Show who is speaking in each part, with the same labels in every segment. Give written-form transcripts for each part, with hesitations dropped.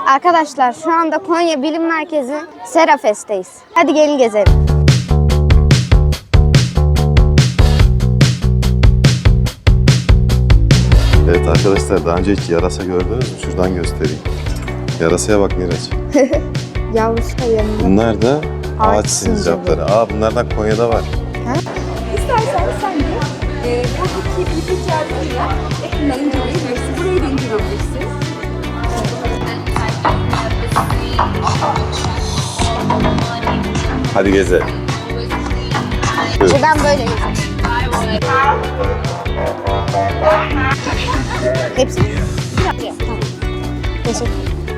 Speaker 1: Arkadaşlar şu anda Konya Bilim Merkezi Serafest'teyiz. Hadi gelin gezelim.
Speaker 2: Evet arkadaşlar, daha önce hiç yarasa gördünüz mü? Şuradan göstereyim. Yarasaya bak Miraç.
Speaker 1: Yavrusu da yanında.
Speaker 2: Bunlar da
Speaker 1: Ağaç
Speaker 2: ağaç sincapları.
Speaker 1: sincapı.
Speaker 2: Bunlardan Konya'da var.
Speaker 3: İstersen sen de buradaki bir yardımıyla yakından inceleyebilirsin. Burayı da inceleyebilirsin.
Speaker 2: Hadi gezelim. Buyurun.
Speaker 1: Ben böyle gezeyim. Hepsi. Tamam. Teşekkür.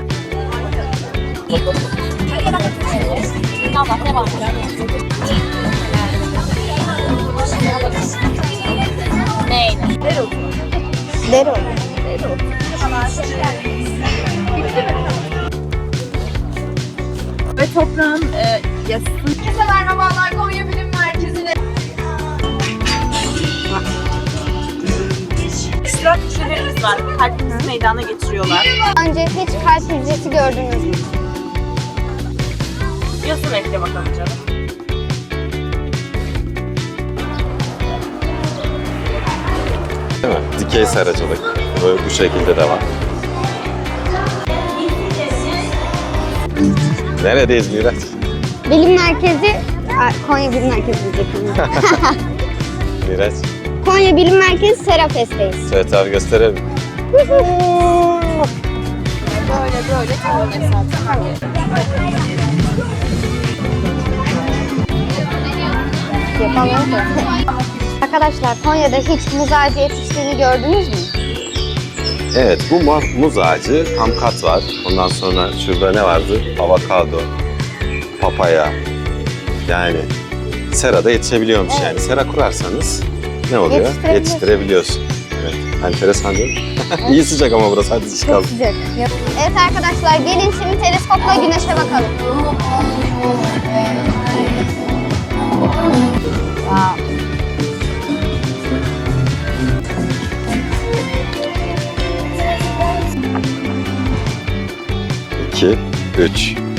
Speaker 1: Dereotu.
Speaker 3: Ve toprağın yassı. Herkese merhabalar, Konya Bilim Merkezi'ne.
Speaker 4: İştirak köşelerimiz var. Kalbimizi meydana getiriyorlar.
Speaker 1: Önce hiç kalp hücresi gördünüz mü?
Speaker 4: Yazın ekle bakalım canım.
Speaker 2: Değil mi? Dikey seracılık. Böyle bu şekilde de var. Neredeyiz Miraç?
Speaker 1: Bilim Merkezi, Konya Bilim Merkezi diyecektim.
Speaker 2: Miraç.
Speaker 1: Konya Bilim Merkezi Serafest'teyiz.
Speaker 2: Evet abi, gösterelim.
Speaker 3: Böyle tamam zaten.
Speaker 1: Yapalım da. Arkadaşlar Konya'da hiç muz ağacı yetiştiğini gördünüz mü?
Speaker 2: Evet, bu muz ağacı, kamkat var. Ondan sonra şurada ne vardı? Avokado, papaya. Yani serada yetişebiliyormuş
Speaker 1: Evet.
Speaker 2: yani. Sera kurarsanız ne oluyor? Yetiştirebiliyorsun. Evet, enteresan değil mi? İyi sıcak ama burası, hadi çıkalım.
Speaker 1: Çok sıcak. Evet arkadaşlar gelin şimdi teleskopla güneşe bakalım. Wow.
Speaker 2: 2, 3.